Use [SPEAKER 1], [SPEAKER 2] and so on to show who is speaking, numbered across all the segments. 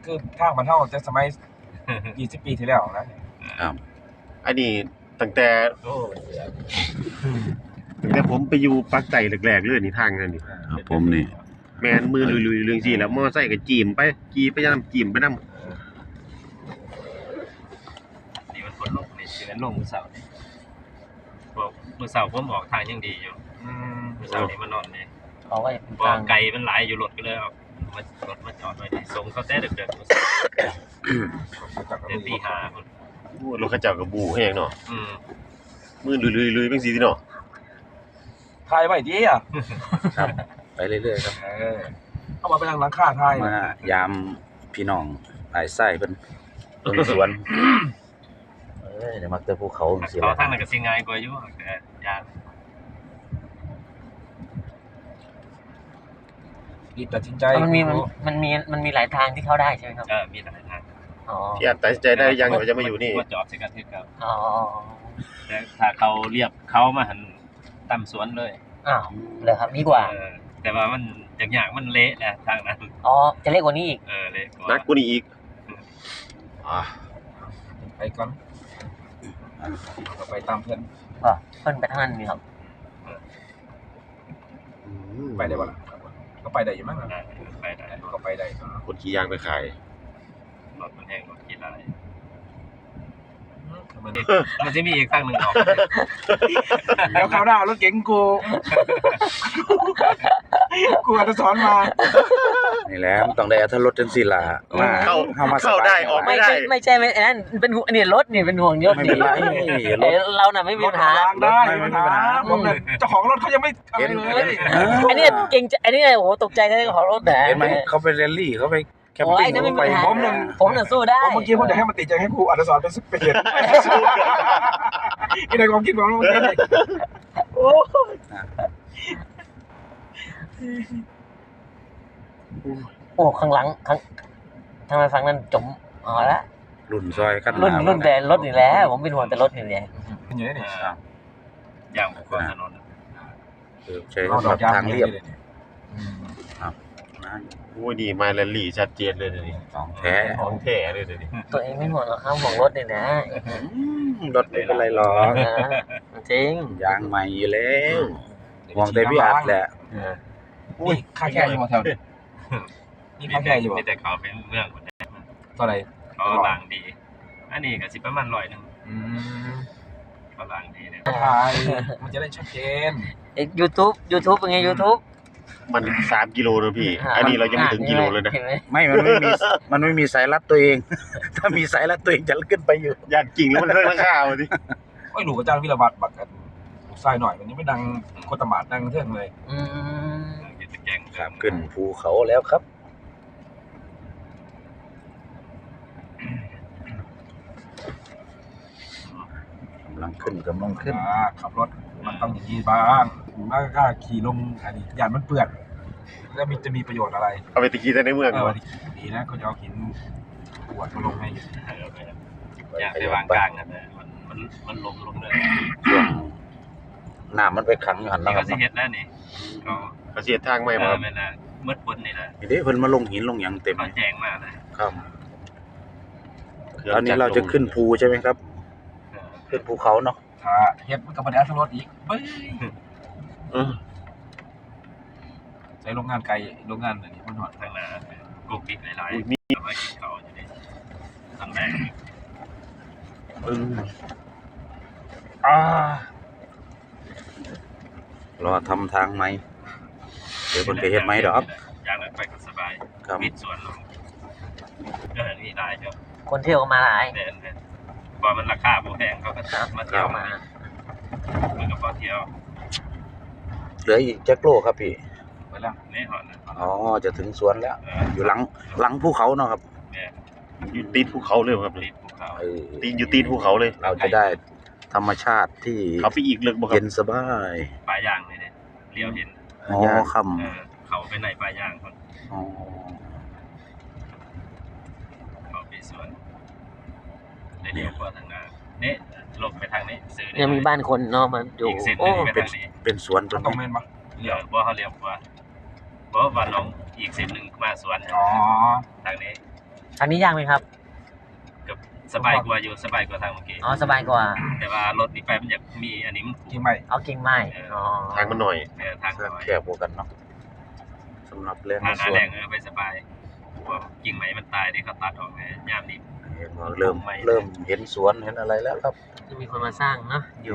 [SPEAKER 1] คือทางบ้านเฮาแต่สมัย20 ปีที่แล้วนะครับ
[SPEAKER 2] อันนี้ตั้งแต่
[SPEAKER 1] โอ้
[SPEAKER 2] ผมไปอยู่ปากใต้แรกๆเลยนี่ทางนั้นนี่
[SPEAKER 3] ครับผมนี่
[SPEAKER 2] แม่นมือลุยๆเรื่องซี่แล้วมอไซค์ก็จีมไปขี่ไปนํจีมไปนำ
[SPEAKER 4] นี่มันฝนลงนี่สิมันลงมื้อเช้านี่บอกมื้อเช้าผมออกทางยังดีอยู่
[SPEAKER 1] อืม
[SPEAKER 4] มื้อเช้านี่มานอนนี่
[SPEAKER 5] เขาก็เป็น
[SPEAKER 4] บ่
[SPEAKER 5] ทาง
[SPEAKER 4] ไกลมันหลายอยู่รถก็เลยเอารถมาจอดไว้นี่ส่งเขาแต่ดึกๆมื้อเช้าเดี๋ยวตีห้าพุ่น
[SPEAKER 2] โอ้รถเขาเจ้าก็บูแฮงเนาะ
[SPEAKER 4] อืม
[SPEAKER 2] มือลุยๆจังซี่ติเนาะ
[SPEAKER 1] ถ่ายไว้ดิอ่ะ
[SPEAKER 3] ครับไปเรื่อยๆครับ
[SPEAKER 1] เอามาไปทางหลังคาถ่าย
[SPEAKER 3] มายามพี่น้องหลายไส้เพิ่นเบิ่งสวนเดี๋ยวมักจะภูเขาจังซี่
[SPEAKER 4] เขา
[SPEAKER 3] ล่ะ
[SPEAKER 4] ทางนั้นก็สิง่ายกว่าอยู่แต่ยาน
[SPEAKER 1] รีบตัดสินใจ
[SPEAKER 5] มันมีหลายทางที่เข้าได้ใช่ไหมครับ
[SPEAKER 4] มีหลายทาง
[SPEAKER 5] อ๋อ
[SPEAKER 2] ที่อาจตัดสินใจได้ยังว่าจะมาอยู่นี่
[SPEAKER 4] มาจอดใส่กันคือเก่า
[SPEAKER 5] อ๋อ
[SPEAKER 4] แต่ถ้าเขาเรียบเขามาหันตามสวนเลย
[SPEAKER 5] อ้าวเลยครับดีกว่า
[SPEAKER 4] แต่ว่ามันยากๆมันเละแหละทางนั้น
[SPEAKER 5] อ๋อจะเล็กกว่านี้อีก
[SPEAKER 4] เละกว่า
[SPEAKER 2] นักกว่านี้อีก
[SPEAKER 1] ไปก่อนก็ไปตามเพื่อน
[SPEAKER 5] เพิ่นไปทางนั้นนี่ครับ
[SPEAKER 1] ไปได้บ่ล่ะก็ไปได้อยู่มั้ง
[SPEAKER 4] ไปได้
[SPEAKER 1] ก็ไปได้
[SPEAKER 2] คนขี่ยางไปขาย
[SPEAKER 4] รถมันแห้งรถกี่ลายมันจะมีอีกทางหนึ่งออก
[SPEAKER 1] แล้วคราวหน้ารถเก๋งกูอาจจะสอนมา
[SPEAKER 3] นี่แหละมันต้องได้อรรถรสจังซี่ล่ะมา
[SPEAKER 2] เข้าได้ออกไม่ได้
[SPEAKER 5] ไม่ใช่อันนั้นเป็นห่วงนี่รถนี่เป็นห่วงรถ
[SPEAKER 3] ไม่
[SPEAKER 5] นี่
[SPEAKER 3] เป็นไรรถ
[SPEAKER 5] เราน่ะไม่มีปัญหา
[SPEAKER 1] ได้ไม่มีปัญหาผมเนี่ยเจ้าของรถเขายังไม่ทำอะไรเลย
[SPEAKER 5] อันนี้เก่งอันนี้โอ้โหตกใจแท้ของรถนะ
[SPEAKER 3] เห็นไหมเขาไปแรลลี่เขาไปแคม
[SPEAKER 5] โอ้
[SPEAKER 3] ปิ้
[SPEAKER 5] ย
[SPEAKER 3] ง
[SPEAKER 5] นั่นไม่มีปัญหา
[SPEAKER 1] ผมหนึ่ง
[SPEAKER 5] ผมน่ะสู้ได้
[SPEAKER 1] เมื่อกี้ผมจะให้มันติดใจให้ครูอัดสอนเป็นสเปียร์นี่ในความคิดผมเมื่อกี้โอ้
[SPEAKER 5] โอ้ข้างหลังทำไมฟังนั้นจมอ๋อละ
[SPEAKER 3] รุ่นซอยกัน
[SPEAKER 5] รุ่นแบรนด์รถนี่แหละผมเป็นห่วงแต่รถนี่แหละ
[SPEAKER 1] เป็นอย่างนี้นี่
[SPEAKER 4] อย่างบุคคลถนน
[SPEAKER 3] ใช้สำหรับทางเรียบนะ
[SPEAKER 2] โอ้ยนี่มาแรลลี่ชัดเจนเลยเดี๋ยวนี้
[SPEAKER 3] ของแท้
[SPEAKER 2] ของแท้เลยเดี๋ยวนี้
[SPEAKER 5] ตัวเองไม่ห่วงหรอกครับห่วงรถนี่นะ
[SPEAKER 3] รถไม่เป็นไรหรอก
[SPEAKER 5] จริง
[SPEAKER 3] ยางใหม่อยู่แล้วห่วงแต่พี่อัดแหละ
[SPEAKER 1] นี่ค่าแค่อยู่มาแถวนี่ค่าแค่อยู่
[SPEAKER 4] มีแต่เขาเป็นเมืองหมด
[SPEAKER 1] เท่าไหร่
[SPEAKER 4] เขาล้างดี อันนี้ก็สิประมาณ100นึงเขาล้างดีเนี่ย
[SPEAKER 1] ถ่ายมันจะได้ชัดเจน
[SPEAKER 5] YouTube เป็นไง YouTube
[SPEAKER 2] มัน3กิโลนะพี่ อันนี้เรายังไม่ถึงกิโลเลยนะ
[SPEAKER 5] เห็นไหม
[SPEAKER 3] ไม่มันไม่มีสายรัดตัวเอง ถ้ามีสายรัดตัวเองจะขึ้นไปอยู่
[SPEAKER 2] ญาติจริงแล้วมันเรื่องราคาว่ะดิ
[SPEAKER 1] โอ้ยหลูกอาจารย์วิรวัตรบักกันทรายหน่อยวันนี้ไม่ดังโคตรมาดดังเท่งเลย
[SPEAKER 5] อืม
[SPEAKER 4] อยู่ตะแกง
[SPEAKER 3] ครับขึ้นภูเขาแล้วครับกำลังขึ้น
[SPEAKER 1] ขับรถมันต้องอย่างนี้บ้างแล้วก็ขี่ลงอันนี้ยานมันเปื้อนแล้วจะมีประโยชน์อะไร
[SPEAKER 2] เอาไปตะกี้แต่ในเมือง
[SPEAKER 1] ดีนะเขาจะเอาหินขวดมาลงให้
[SPEAKER 4] อยากไปวางกลางกันแต่มันลงเลย
[SPEAKER 3] ช่วงน้ำมันไปขังอยู่หัน
[SPEAKER 4] นี่
[SPEAKER 3] แล้วค
[SPEAKER 4] ก็
[SPEAKER 3] รับ
[SPEAKER 4] สิเฮ็ดแล้วนี่ก็
[SPEAKER 2] ประเทศทางใหม่บ่ครับ
[SPEAKER 4] แม่นน่ะมืดฝนนี่แหละ
[SPEAKER 3] นี่เด้เพิ่นมาลงหินลงหยังเต็ม
[SPEAKER 4] เขาแจ้งมาเลย
[SPEAKER 3] ครับตอนนี้เราจะขึ้นภูใช่ไหมครับ ขึ้นภูเขาเนาะ
[SPEAKER 1] ถ้าเฮ็ดมันก็บ่ได้อัตรสอีกเบ้ย ใช้โรงงานไกลโรงงานอันนี้มันหอด
[SPEAKER 4] ทางหน้ากุ๊กปิ๊กหลายๆมีมากินเขาอยู่นี่ทางแรก
[SPEAKER 3] รอทำทางไหมเดี๋ยวเพิ่นไปเฮ็ดไหมดอก
[SPEAKER 4] อย่างนั้นไปก็สบาย
[SPEAKER 3] ครับ
[SPEAKER 4] มิดสวนลงก็นี่ได้เจ้า
[SPEAKER 5] คนเที่ยวก็มาหลาย
[SPEAKER 4] เนี่ยพอมันราคาบ่แพงเขาก็มาเที่ยวมามันก็พอเที่ยว
[SPEAKER 3] เหลืออีกจักโลครับพี่
[SPEAKER 1] ไปแล้ว
[SPEAKER 4] นี่หอนนะ
[SPEAKER 3] อ๋อจะถึงสวนแล้ว อยู่หลังภูเขาเนาะครับ
[SPEAKER 4] เนี่ย
[SPEAKER 2] อยู่ตีนภูเขาเลยครับ
[SPEAKER 4] ติดภูเขา
[SPEAKER 3] เออ
[SPEAKER 2] อยู่ตีนภูเขาเลย
[SPEAKER 3] เราจะได้ธรรมชาติที่
[SPEAKER 2] เขาไปอีกลึกบ่ครั
[SPEAKER 3] เย็
[SPEAKER 2] บ
[SPEAKER 3] นสบาย
[SPEAKER 4] ปลายางเลยเนี่ยเลี้ยวเห็น
[SPEAKER 3] อ๋อค่
[SPEAKER 4] เขาไปในปลายางคน
[SPEAKER 3] ำอ๋อ
[SPEAKER 4] เขาไปสวนได้เลี้ยวกว่าทางหน้าเนี่ยลงไปทางนี้ซื้อ
[SPEAKER 5] ยังมีบ้านคนเนาะมันอยู่
[SPEAKER 4] อีกเส้นห
[SPEAKER 5] โอ้
[SPEAKER 4] นึงไปทางนี้
[SPEAKER 3] เป็นสวนตร
[SPEAKER 1] มัน
[SPEAKER 3] ง
[SPEAKER 1] ต้อง
[SPEAKER 3] นี้
[SPEAKER 1] เมนปะ
[SPEAKER 4] เลี้ยวบ่เขาเลี้ยวกว่าเพราะว่าน้องอีกเส้นหนึ่งมาสวน
[SPEAKER 1] อ๋อ
[SPEAKER 4] ทางนี้
[SPEAKER 5] ทางนี้ยากไหมครับ
[SPEAKER 4] กับสบายกว่าอยู่สบายกว่าทางเมื่อกี้
[SPEAKER 5] อ๋อสบายกว่า
[SPEAKER 4] แต่ว่ารถนี่ไปมันอยากมีอันนี้มัน
[SPEAKER 1] จริงไหม
[SPEAKER 5] เอากิ่งไม้อ๋อ
[SPEAKER 2] ทางมันหน่อย
[SPEAKER 4] ทางน้อย
[SPEAKER 3] แคบกว่ากันเนาะสำหรับเรื่อง
[SPEAKER 4] ทางห
[SPEAKER 3] ส
[SPEAKER 4] น้า
[SPEAKER 3] วน
[SPEAKER 4] แรงไปสบายเพราะกิ่งไม้มันตายที่เขาตัดออกไงยามนี้
[SPEAKER 3] เริ่มเห็นสวนเห็นอะไรแล้วครับ
[SPEAKER 5] จะมีคนมาสร้างเนาะอยู่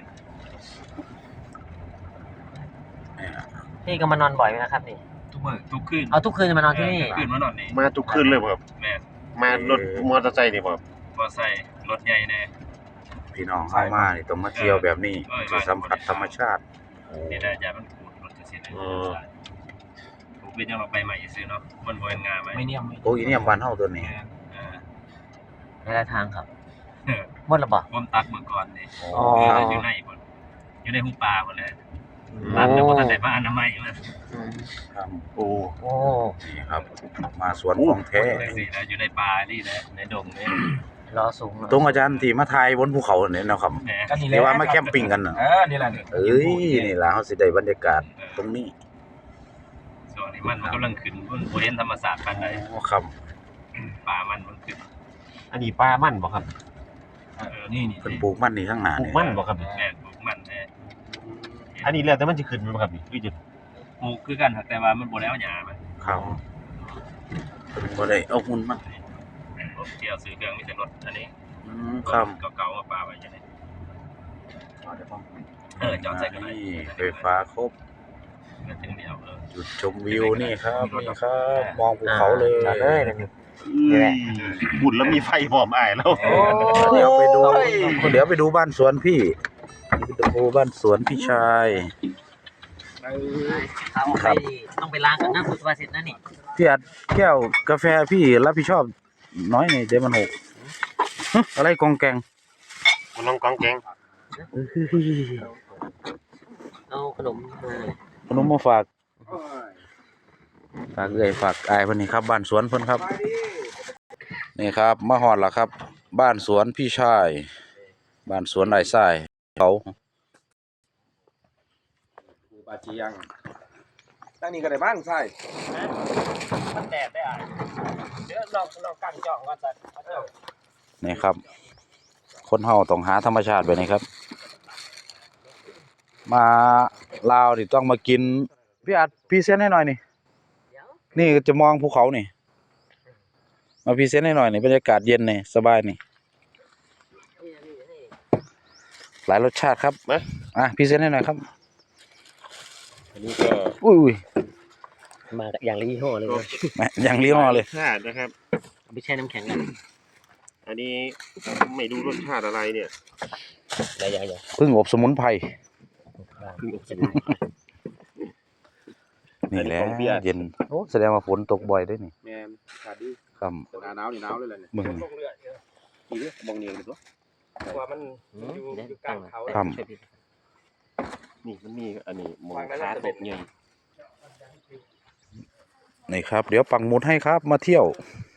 [SPEAKER 5] พี่ก็มานอนบ่อยไหมนะครับนี่
[SPEAKER 4] ทุกมื้อทุกคืน
[SPEAKER 5] เอาทุกคืนจะมานอนที่นี่
[SPEAKER 4] คืนมานอนนี่
[SPEAKER 2] มาทุกคืนเลยบ่ครับ
[SPEAKER 4] แม่
[SPEAKER 2] มารถมอเตอร์ไซค์นี่บ่ครับ
[SPEAKER 4] บ่ใส่รถใหญ่แน่
[SPEAKER 3] พี่น้องเข้ามานี่ต้องมาเที่ยวแบบนี้จะสัมผัสธรรมชาติ
[SPEAKER 4] นี่ได้ยามันขูดรถจะเสียผมเป็นยังเราไปใหม่ซื้อเนาะมันบ่เป็นงานไหม
[SPEAKER 1] ไม่เนี่ยม
[SPEAKER 3] โอ้ยเนี่ยบ้านเฮาตัวนี้
[SPEAKER 5] ในหลายทางครับหมดแล้วบ่
[SPEAKER 4] ผมตักเมื่อก่อนนี่
[SPEAKER 5] อ๋อ
[SPEAKER 4] อยู่ในบ่อยู่ในหูปลาหมดเลยตักแล้วบ่ทันได้มาอนามัยมัน
[SPEAKER 3] ครับ
[SPEAKER 2] โอ้
[SPEAKER 5] โอ้
[SPEAKER 3] นี่ครับ มาสวนของแท้
[SPEAKER 4] สิแล้วอยู่ในป่านี่แหละในดงนี่
[SPEAKER 5] ล้อสูงเนอะ
[SPEAKER 3] ตรงอาจารย์ที่มาถ่ายบนภูเขาเนี่ยนะครับ
[SPEAKER 4] แหม
[SPEAKER 1] ก็นี่แห
[SPEAKER 3] ที่
[SPEAKER 1] ละ
[SPEAKER 3] ว่ามาแคมปิ้งกันน่ะ
[SPEAKER 1] นี่แหละนี่
[SPEAKER 3] เอ้ยนี่ล่ะเฮาสิได้บรรยากาศตรงนี้
[SPEAKER 4] ส่วนนี้มันกำลังขึ้นบนบ่เห็นธรรมศาสตร์ปานใด
[SPEAKER 3] โอ้ครับ
[SPEAKER 4] ป่ามันขึ้น
[SPEAKER 2] อันนี้ปลามันบ่ครับ
[SPEAKER 1] นี่
[SPEAKER 3] เพิ่นปลูกมันนี่ข้างหน้า
[SPEAKER 2] ปลู
[SPEAKER 3] นี่
[SPEAKER 2] กมันบ่ครับ
[SPEAKER 4] แม่ปลูกมันแน่
[SPEAKER 2] อันนี้แล้วแต่มันจะขึ้นบ่ครับนี่คือจะ
[SPEAKER 4] ปลูกคือกันแต่ว่ามันบ่ได้เอาหญ้ามา
[SPEAKER 3] ครับเพิ่นบ่ได้เอาหุ่นมา
[SPEAKER 4] ผมเที่ยวซื้อเครื่องมีแต่รถอันนี้
[SPEAKER 3] ครับ
[SPEAKER 4] เก่าๆมาปาไว้จังได๋จอดใส่กันได้
[SPEAKER 3] นี่ไฟฟ้าครบ
[SPEAKER 4] ก็ถึงเดียว
[SPEAKER 3] จุดชมวิวนี่ครับนี่ครับมองภูเขาเลย
[SPEAKER 5] จอดเลยนะนี่แหละ
[SPEAKER 2] บุญแล้วมีไฟพร้อมอ้ายแล้ว
[SPEAKER 3] เดี๋ยวไปดูบ้านสวนพี่ไปดูบ้านสวนพี่ชาย
[SPEAKER 5] เอาออกไปต้องไปล้างกันนะคุณสุภาษิตนะนี่
[SPEAKER 3] พี่อัดแก้วกาแฟพี่รับผิดชอบน้อยหน่อยเดี๋ยวมันหกอะไรกองแกง
[SPEAKER 2] มันน้องกองแกง
[SPEAKER 5] เอาขนมมา
[SPEAKER 3] ขนมมาฝากฝากอายเพิ่นนี่ครับบ้านสวนเพิ่นครับนี่ครับมาฮอดแล้วครับ บ้านสวนพี่ชายบ้านสวนไร่ทรายเขา
[SPEAKER 1] บาจียังตั้งนี้ก็ได้บ้างใช่
[SPEAKER 5] มันแดดได้อ่ะเดี๋ยวลองกันจ่องก่อนสัก
[SPEAKER 3] นี่ครับ คนเฮาต้องหาธรรมชาติแบบนี้ครับ มาลาวนี่ต้องมากินพี่อัดพรีเซนต์ให้หน่อยนี่นี่จะมองภูเขานี่มาพรีเซนต์ให้หน่อยนี่บรรยากาศเย็นนี่สบายนี่หลายรสชาติครับพรีเซนต์ให้หน่อยครับ
[SPEAKER 2] อันนี้ก็
[SPEAKER 3] อุ้ย
[SPEAKER 5] มาอย่างละยี่ห้อเลยนะ
[SPEAKER 3] แหมอย่างลี้ห้อเลย
[SPEAKER 2] ชาตินะครับ
[SPEAKER 5] ไม่ใช่น้ำแข็งกัน
[SPEAKER 2] อันนี้ไม่รู้รสชาติอะไรเนี่ย
[SPEAKER 5] อย่า
[SPEAKER 3] พึ่งอบสมุนไพร
[SPEAKER 2] เพิ่งอบสมุนไพร
[SPEAKER 3] นี่แหละ
[SPEAKER 2] ของเบียร์
[SPEAKER 3] เย็นโอ้แสดงว่าฝนตกบ่อยด้วยนี่
[SPEAKER 1] แมนขาดดี
[SPEAKER 3] ครับ
[SPEAKER 1] หนาวนี่หนาวเลยแหละเนี่ย
[SPEAKER 3] มึง
[SPEAKER 1] ลงเรืออีกมองเนียงดูตัวว่ามันอยู่กลางเขา
[SPEAKER 3] ครับ
[SPEAKER 2] นี่มันมีอันนี้หมองคาตกใหญ่
[SPEAKER 3] นี่ครับ เดี๋ยวปักหมุดให้ครับ มาเที่ยว
[SPEAKER 2] อ